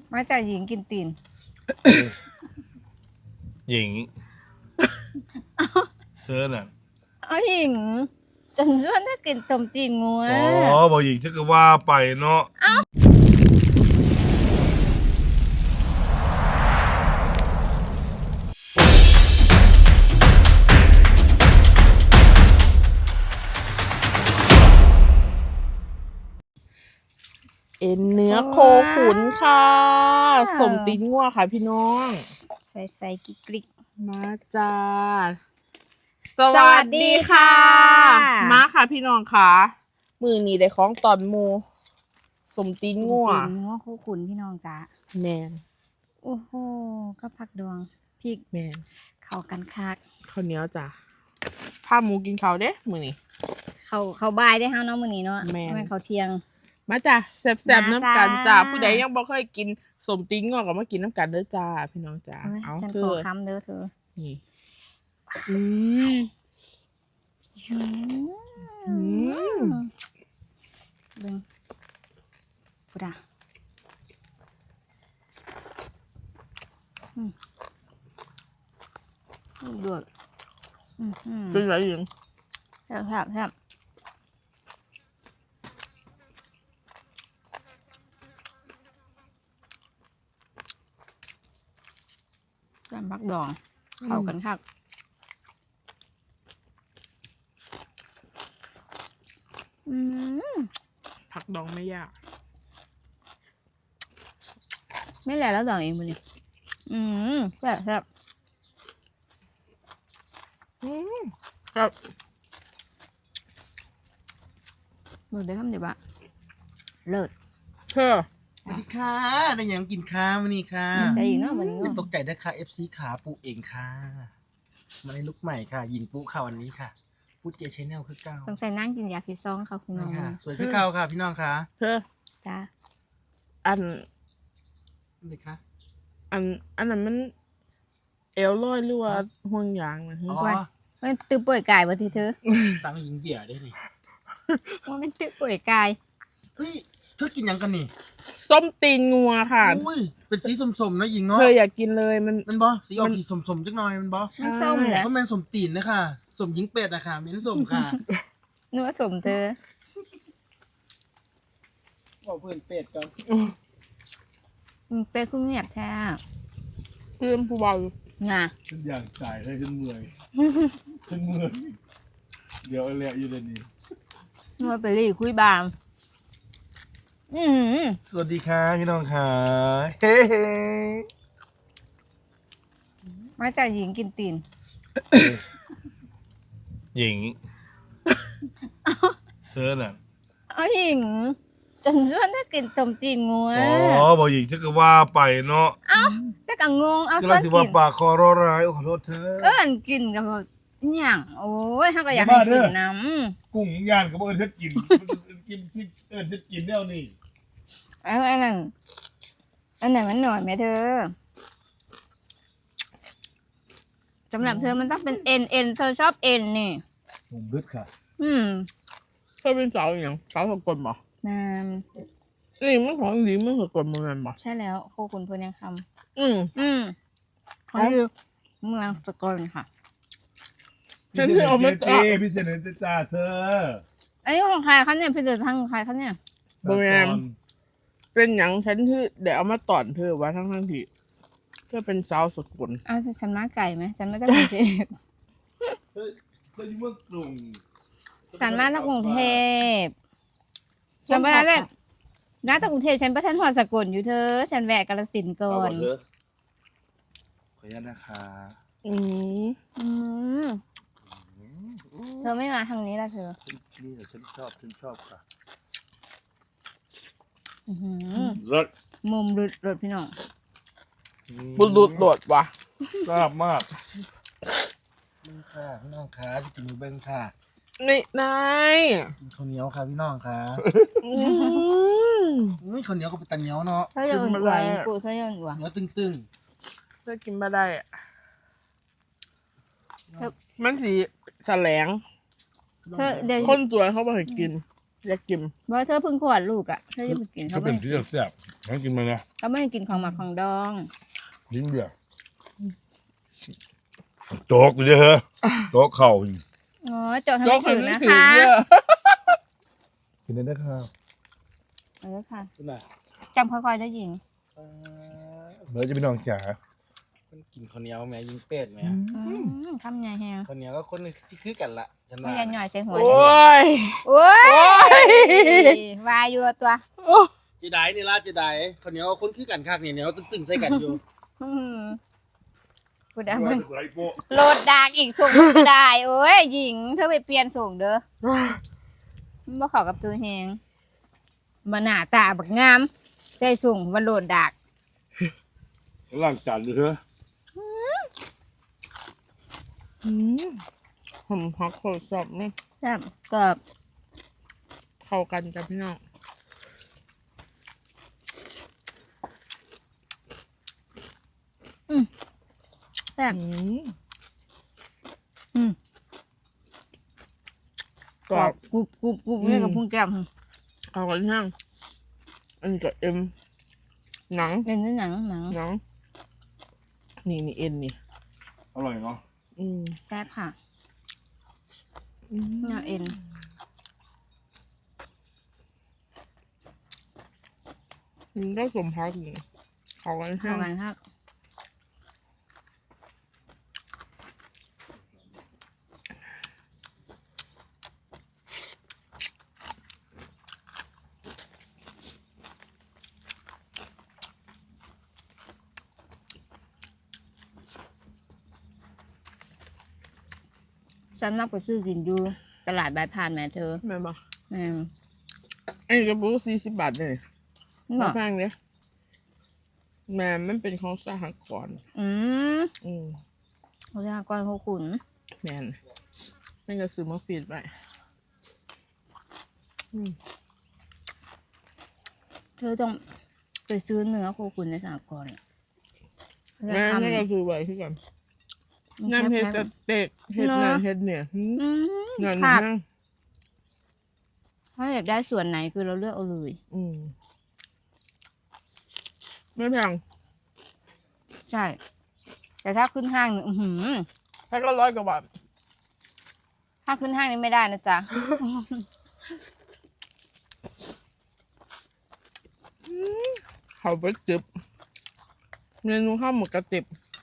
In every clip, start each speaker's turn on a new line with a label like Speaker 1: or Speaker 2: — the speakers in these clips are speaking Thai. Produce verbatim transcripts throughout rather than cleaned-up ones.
Speaker 1: มาจากหญิงกินตีน
Speaker 2: หญิงเธอน่ะ
Speaker 1: เอาหญิงฉันชวนถ้ากินต้มตีนงัว
Speaker 2: อ๋อบอกหญิงฉันก็ว่าไปเนาะ
Speaker 3: เอ็นเนื้อโคขุนค่ะสมตีนงัวค่ะพี่น้อง
Speaker 1: ใส่ใส่กิ๊กกิ๊ก
Speaker 3: มาจ้าสวัสดีค่ะมาค่ะพี่น้องค่ะมือนี้ได้ของตอนหมูสมตีนงัว
Speaker 1: สมตีนงัวโคขุนพี่น้องจ้า
Speaker 3: แมน
Speaker 1: โอ้โหก็ผักดวงพริก
Speaker 3: แมน
Speaker 1: เข้ากันคัก
Speaker 3: ข้าวเหนียวจ้าผ้าหมูกินข้าวเด้มือนี้
Speaker 1: เขาเขาบ่ายได้ห้าน้องมือนี้เนาะแม่นเขาเที่ยง
Speaker 3: มาจ้ะแซ่บๆน้ำกันจ้าผู้ใดยังบ่เคยกินสมตีนงัวก็มากินน้ำกันเด้อจ้าพี่น้องจ้า
Speaker 1: เอาฉันขอคำเด้อเธอ
Speaker 3: นี่อืม
Speaker 1: อืมเบิ่งพุดาอืมเดือดอืม
Speaker 3: เป็นไรอยู่
Speaker 1: แซ่บแซ่บแซ่บจำผักดองเข้ากันคักอืม
Speaker 3: ผักดองไม่ยาก
Speaker 1: ไม่แหละแล้วดองเองมันนี่อืมแซ่บแซ่บ
Speaker 3: อืมครับ
Speaker 1: มือได้คำเดียวบะเลิศ
Speaker 3: เธอ
Speaker 4: สวัสดีค่ะได้ยังกินข้าวันนี้ค่ะ
Speaker 1: ใส่อีกเนาะวันนี้
Speaker 4: ตกใจได้ค่ะ เอฟ ซี ขาปูเองค่ะมาในลุกใหม่ค่ะยิงปูค่ะวันนี้ค่ะปูเจชแนลคือเก่า
Speaker 1: สงสัยนั่งกินยาพิซซ่องค่ะคุณน้อง
Speaker 4: สวยคือเก่าค่ะพี่น้องค่ะ
Speaker 3: เธอ
Speaker 1: จ้า
Speaker 3: อัน
Speaker 4: นี่ค่ะ
Speaker 3: อันอันนั้นมันเอลลอยหรือว่าห่วงยางนะ
Speaker 4: อ๋อ
Speaker 1: มันตื้อป่วยกายบ่ทีเธอ
Speaker 4: สั่งยิงเบียร์ได้นี่
Speaker 1: มันเป็นตื้อป่วยกาย
Speaker 4: เฮ้ยเธอกินยังกันนี่
Speaker 3: ส้มตีนงัวค่ะ
Speaker 4: อุ้ยเป็นสีส้มๆนะยิงเนาะ
Speaker 3: เธออยากกินเลยมัน
Speaker 4: มันบอสีออกสีส้มๆจักหน่อยมันบอ
Speaker 1: มันส้มแหละ
Speaker 4: เพราะมันส้มตีนนะค่ะส้มยิงเป็ดนะคะเป็นส้มค่ะ
Speaker 1: นึกว่าส้มเธอ
Speaker 4: บอกเพื่อนเป็ดกัน
Speaker 1: เป็ดคุ้งเงียบแท้
Speaker 3: เพื่อนผู้บ่าว
Speaker 1: งา
Speaker 2: ฉันอยากจ่ายให้ฉันเมื่อยฉันเมื่อยเดี๋ยวอะไรอยู่ในนี้
Speaker 1: นึกว่าไปรีคุยบางอืม
Speaker 2: สวัสดีค่ะพี่น้องค่ะเฮ้เฮ้
Speaker 1: มาจากหญิงกินตีน
Speaker 2: หญิงเธอน่ะ
Speaker 1: เอาหญิงฉันชวนถ้ากินต้มตีนงัว
Speaker 2: อ๋อบอกหญิงฉันก็ว่าไปเนาะ
Speaker 1: เอ้าจะกังงงเอา
Speaker 2: ชวนกินว่าปากคอร้อร้ายขอโทษเธอ
Speaker 1: เอิ้นกินกับอย่างโอ้ยเขาก็อยากให้กินน้
Speaker 2: ำกุ้งย่างกับเอิญฉันกินกินที่เอิญฉันกินแล้วนี่
Speaker 1: อันนั้นอันไหนมันหน่อยไหมเธอสำหรับเธอมันต้องเป็นเอ็นเอ็นเธอชอบเอ็นนี่
Speaker 2: ผมรึดค่ะ
Speaker 1: อืม
Speaker 3: เธอเป็นสาวอย่างสาวสกลบ่
Speaker 1: นาม
Speaker 3: นี่มันของดีมันสกลเมืองบ่
Speaker 1: ใช่แล้วโคขุนพลยังค
Speaker 3: ำอืม
Speaker 1: อืมเขาอยู่เมืองสกลค่ะ
Speaker 3: ฉันที่เอามา
Speaker 2: จ้าพิเศษเลยจ้าเธอ
Speaker 1: อันนี้ของใครเขาเนี่ยพิเศษทางใครเขาเนี่ย
Speaker 3: บริเวณเป็นอย่างฉันที่เดี๋ยวเอามาตอนเธอว่าทั้งทั้งที่เธอเป็นสาวสกุล
Speaker 1: อ้าวฉันมาไก่ไหมฉันไม่ได้กรุงเทพ
Speaker 2: เธอเธออยู่เมืองกรุง
Speaker 1: ฉันมาจากกรุงเทพฉันไปแล้วเลยน้าจากกรุงเทพฉันไปท่านหัวสกุลอยู่เธอฉันแวะกาฬสินธุ์ก่อน
Speaker 2: ขออนุญาตนะคะ
Speaker 3: อืม
Speaker 1: อืมเธอไม่มาทางนี้ละเธอ
Speaker 2: นี่แหละฉันชอบฉันชอบค่ะ
Speaker 1: รถมุมรถรถพี่น้อง
Speaker 3: บุญดุดโดดว่ะ
Speaker 2: ชอบมาก
Speaker 4: มึงค่ะพี่น้องค่ะจะกินมือเบิ้งค่ะ
Speaker 3: นี่นาย
Speaker 4: กินข้าวเหนียวค่ะพี่น้องค่ะนี่ข้าวเหนียวก็เป็นตันเหนียวเนาะ
Speaker 1: เธอยังอุ่นไหวกูเธอยังอุ่นไหว
Speaker 4: เนื้อตึง
Speaker 3: ๆเธอกินมาได้อะมันสีแสลงคนสวยเขาบอกให้กินอยากกิน
Speaker 1: เพราะเธอเพิ่งขวดลูกอ่ะเธอจะไปกิน
Speaker 2: ก็
Speaker 1: เขา
Speaker 2: เป็
Speaker 1: ไม่
Speaker 2: นที่แซ่บๆงั้นกินมานะ
Speaker 1: เขาไม่ให้กินของหมักของดอง
Speaker 2: ลิ้นเบียร์โจ๊กเลยเฮ้อโจ๊กเข่า
Speaker 1: อ๋อโจทย์ทำไม่ถึงนะคะ
Speaker 2: กินได้นะครับ
Speaker 1: เออค่ะ
Speaker 4: คุณน่ะ
Speaker 1: จำค่อยๆได้ยิง
Speaker 4: เอ่อ
Speaker 2: เดี๋ยวจะไปนอนจ๋า
Speaker 4: มันกินข้าวเหนียวแม่ยิงเป็ดแม่
Speaker 1: อืมทำไงแฮง
Speaker 4: ข้าวเหนียวก็คนที่คือกันละฉัน
Speaker 1: ไม่
Speaker 4: ว่า
Speaker 1: ยันหน่อยใส่หัว
Speaker 3: โอ้ย
Speaker 1: โอ้ย
Speaker 3: โอ้ย
Speaker 1: วายอยู่ตัว
Speaker 3: โอ้
Speaker 4: จีได้นี่ล่ะจีได้ข้าวเหนียวก็คนคือกันคักนี่เหนียวตึงๆใส่กันอยู่
Speaker 1: อืมกูได้มึง
Speaker 2: ไรโป๊ะ
Speaker 1: โหลดดากอีกส่งมึงก็ได้โอ้ยหญิงเธอไปเปลี่ยนส่งเด้อมันบ่เข้ากับตัวแฮงมาหน้าตาบักงามใส่ส่งมาโหลดดาก
Speaker 2: ล้างจานเลยเฮ้อ
Speaker 3: อืมผมพักโคตรสอบนี่
Speaker 1: แซ่บกรอบ
Speaker 3: เข้ากันจ้ะพี่น้อง
Speaker 1: แซ่บ
Speaker 3: อืม
Speaker 1: อืม
Speaker 3: กรอบ
Speaker 1: กรุบกรุบกรุบเนี่ยกับพุงแก้ม
Speaker 3: เข้ากันช่างอันนี้ก็เอ็มหนัง
Speaker 1: เป็นเนื้อหนังหนัง
Speaker 3: หนังนี่นี่เอ็นนี่
Speaker 2: อร่อยเนาะ
Speaker 3: อืม
Speaker 1: แซ่บค่ะ
Speaker 3: อืม
Speaker 1: เนื้อเอ็น
Speaker 3: มันได้สมพักนี่เข้ากัน
Speaker 1: เข้า
Speaker 3: ช่าง
Speaker 1: กันครับ ฉันมักไปซื้อกินอยู่ตลาดบายพานแม่เธอ
Speaker 3: แม่นบอก
Speaker 1: แม่น
Speaker 3: อันนี้กระปุกสี่สิบบาทเลย
Speaker 1: นี่บ
Speaker 3: มา
Speaker 1: อก
Speaker 3: แพงเนี่ยแม่มันเป็นของสหกรณ์
Speaker 1: อืม
Speaker 3: อืม
Speaker 1: เขาจะก้อนเขาขุน
Speaker 3: แม่นนั่นก็ซื้อมาฟีดไปอืม
Speaker 1: เธอต้องไปซื้อเนื้อโคขุนในสหกรณ์อะ
Speaker 3: แม่นั่นก็ซื้อไว้คือกันน้ำเห็ดจะเตกเห็ดนั่นเห็ดเนี่ยหืม
Speaker 1: อืม
Speaker 3: นั่น
Speaker 1: ค่ะ
Speaker 3: นั่ง
Speaker 1: ถ้าอยากได้ส่วนไหนคือเราเลือกเอาเลย
Speaker 3: อืมไม่แพง
Speaker 1: ใช่ แต่ถ้าขึ้นห้างเนี่ยอื้อหือ
Speaker 3: แค่ก็ร้อยกว่าบาท
Speaker 1: ถ้าขึ้นห้างนี่ไม่ได้นะจ๊ะ
Speaker 3: เขาไปจิบเมนูข้าวหมกกระติบ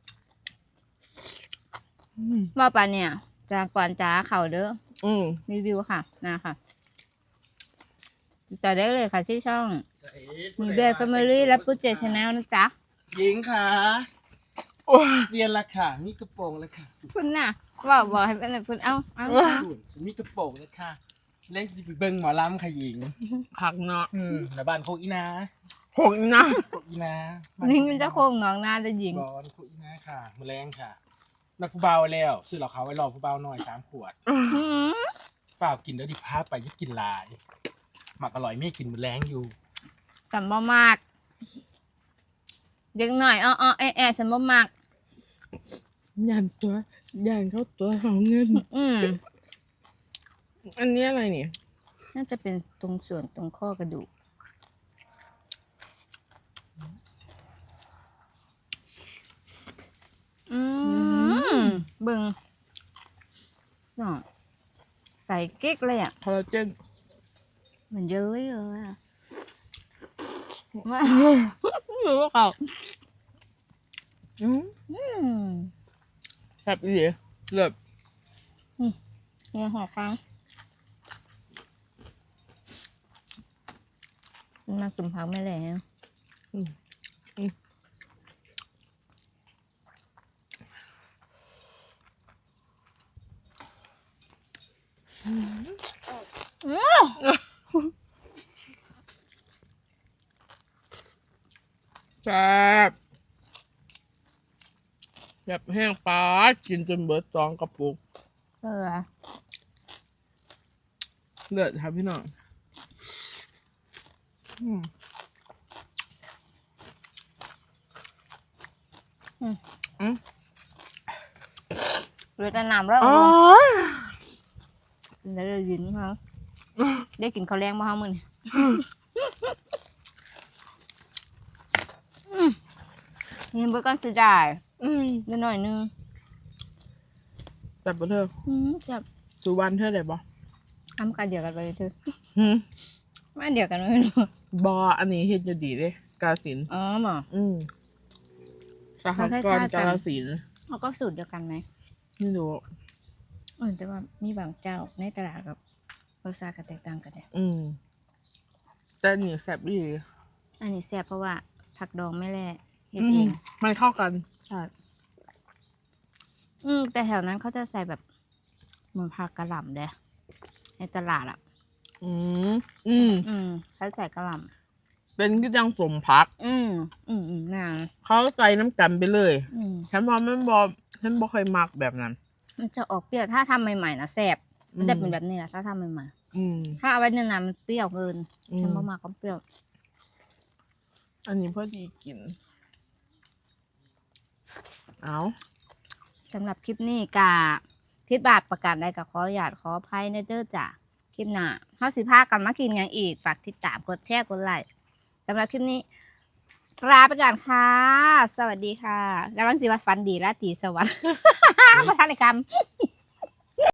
Speaker 3: อืม
Speaker 1: ว่าปะเนี่ยจากก่อนจ้าเขาเด้อ
Speaker 3: อืม
Speaker 1: รีวิวค่ะนะค่ะติดต่อได้เลยค่ะที่ช่องมีเบียร์แฟมิลี่และปุ๊เจชาแนลนะจ๊ะ
Speaker 4: หญิงค่ะ
Speaker 3: โอ้ย
Speaker 4: เรียนละค่ะมีกระโปรงแล้วค่ะ
Speaker 1: คุณน่ะว่าบอกให้เป็นคุณเอาเอา
Speaker 4: คุณมีกระโปรงแล้วค่ะเล่นจะไปเบิ่งหมอลำค่ะหญิง
Speaker 3: ผักเนาะ
Speaker 4: อืมแล้วบ้านโคกอีนา
Speaker 3: ผงนะ
Speaker 4: โคกอีนา
Speaker 1: นี่มันจะโค้งหนองนาจะยิง
Speaker 4: บอนโคกอีนาค่ะแมลงค่ะนักผู้เบาแล้วซื้อเหล่าเขาวไว้รอผู้เบาหน่อยสามขวด
Speaker 1: หืม
Speaker 4: ฝากกินแล้วดิพาไปยิ่กินหลาย หมักอร่อยไม่กินแมลงอยู่
Speaker 1: สัมบ่มากเด็กหน่อยอ้ออ้อแอะแอะสัมบ่มาก
Speaker 3: ยันตัวยันเข้าตัวของเงิน
Speaker 1: อืม
Speaker 3: อันนี้อะไรเนี่ย
Speaker 1: น่าจะเป็นตรงส่วนตรงข้อกระดูกอืมเบิ่งเนาะใส่กิ๊กเลยอ่ะ
Speaker 3: คอลลาเจน
Speaker 1: เหมือนเย้ยเลยอ่ะว่าไม่รู้ว่าเขา
Speaker 3: อืม
Speaker 1: อืม
Speaker 3: แบบนี้เลิศ
Speaker 1: เนี่ยหัวค้างมากินพักไม่แล้ว
Speaker 3: อืมอืม แซ่บแบบแห้งปลากินจนเบิดสองกระปุก
Speaker 1: เออ
Speaker 3: เลือดครับพี่น้องอืม อืม
Speaker 1: เรือจะนำแล้ว
Speaker 3: อ๋อ
Speaker 1: แล้วเรายินเขาได้กินข้าวแรงบ่เฮามื้อนี้อืมนี่เบิ่งก่อนสิได้
Speaker 3: อืม
Speaker 1: นิดหน่อยนึง
Speaker 3: แต่บ่เธอ
Speaker 1: อืมจับ
Speaker 3: สุวรรณเธอได้บ่
Speaker 1: ทำกันเดียวกันไปเถอะ
Speaker 3: หืม
Speaker 1: ไม่เดียวกันไม่รู้
Speaker 3: บ่อันนี้เฮ็ดอยู่ดีเด้กาฬสินธุ์
Speaker 1: อ๋อหมอ
Speaker 3: อืมสหกรณ์กาฬสินธุ์
Speaker 1: เขาก็สูตรเดียวกันไหม
Speaker 3: ไม่รู้
Speaker 1: เออแต่ว่ามีบางเจ้าในตลาดกับรสชาติก็แตกต่างกันเนี่ย
Speaker 3: อืมแต่อันนี่แซ่บดี
Speaker 1: อันนี้แซ่บเพราะว่าผักดองไม่แล่เฮ็ด
Speaker 3: อื
Speaker 1: เอ
Speaker 3: ม
Speaker 1: ง
Speaker 3: มันเข้ากัน
Speaker 1: ใช่อืมแต่แถวนั้นเขาจะใส่แบบเหมือนผักกระหล่ำเด้ในตลาดอ่ะ
Speaker 3: อืมอืม
Speaker 1: อืมเขาใส่กระหล่
Speaker 3: เป็นก็ยังสมพัก
Speaker 1: ำอืมอืมอืมนาง
Speaker 3: เขาใส่น้ำกันไปเลย
Speaker 1: อืม
Speaker 3: ฉันว่ามันบอฉันบ่ค่อยมักแบบนั้น
Speaker 1: มันจะออกเปรี้ยวถ้าทำใหม่ๆนะแซ่บมันจะเป็นแบบนี้แหละถ้าทำใหม่
Speaker 3: อืม
Speaker 1: ๆถ้าเอาไว้นานๆมันเปรี้ยวเกิน
Speaker 3: อื
Speaker 1: ฉัน
Speaker 3: ม
Speaker 1: บ่มากก็เปรี้ยว
Speaker 3: อันนี้พอดีกิน เอา
Speaker 1: สำหรับคลิปนี้กาพิดบาทประกาศได้กับขอหยาดขออภัยในเด้อจ้ะคลิปหน้าเฮาสิพากันมากินอย่างอีกฝากติดตามกดแชร์กดไลค์สำหรับคลิปนี้ลาไปก่อนค่ะ สวัสดีค่ะกำลังสิว่าฝันดีราตรีสวัสดิ์ ประธานในกรรม